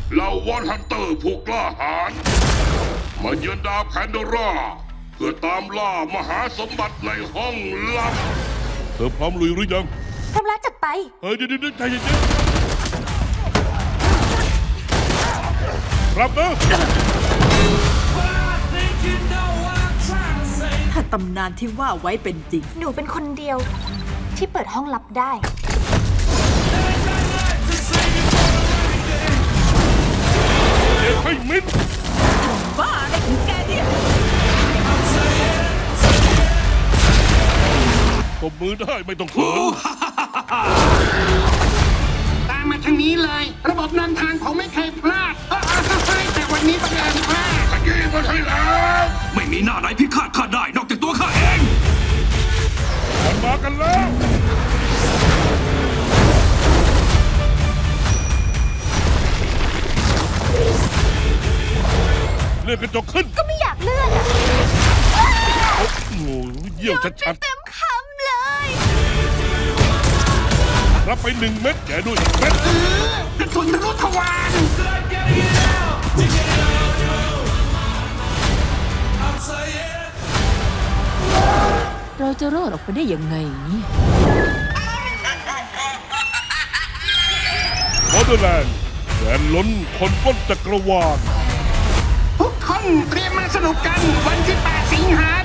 เหล่าวอนฮันเตอร์ผู้กล้าหาญมาเยือนดาวแพนโดราเพื่อตามล่ามหาสมบัติในห้องลับเธอพร้อมลุยหรือยังพร้อมแล้วจัดไปเฮ้ยเดี๋ยวใจเย็นๆครับนะถ้าตำนานที่ว่าไว้เป็นจริงหนูเป็นคนเดียวที่เปิดห้องลับได้เด็กให้มิดบ้าอะไรของแกเนี่ยตบมือได้ไม่ต้องเขินตามมาทางนี้เลย ระบบนำทางผมไม่เคยพลาดแต่วันนี้บังเอิญพลาดขยี้มาให้แล้วไม่มีหน้าไหนพิฆาตข้าได้นอกจากตัวข้าเองมันมากันแล้วเลื่อนกระจกขึ้นก็ไม่อยากเลื่อนอะโอ้โหเยี่ยวชัดเต็มคำเลยๆรับไป1 เม็ดแกด้วย1 เม็ดกระสุนทะลุทวารเราจะรอดออกไปได้ยังไงเนี่ยบอร์เดอร์แลนด์แสนล้นคนป้นจักรวาลทุกคนเตรียมมาสนุกกันวันที่ 8 สิงหา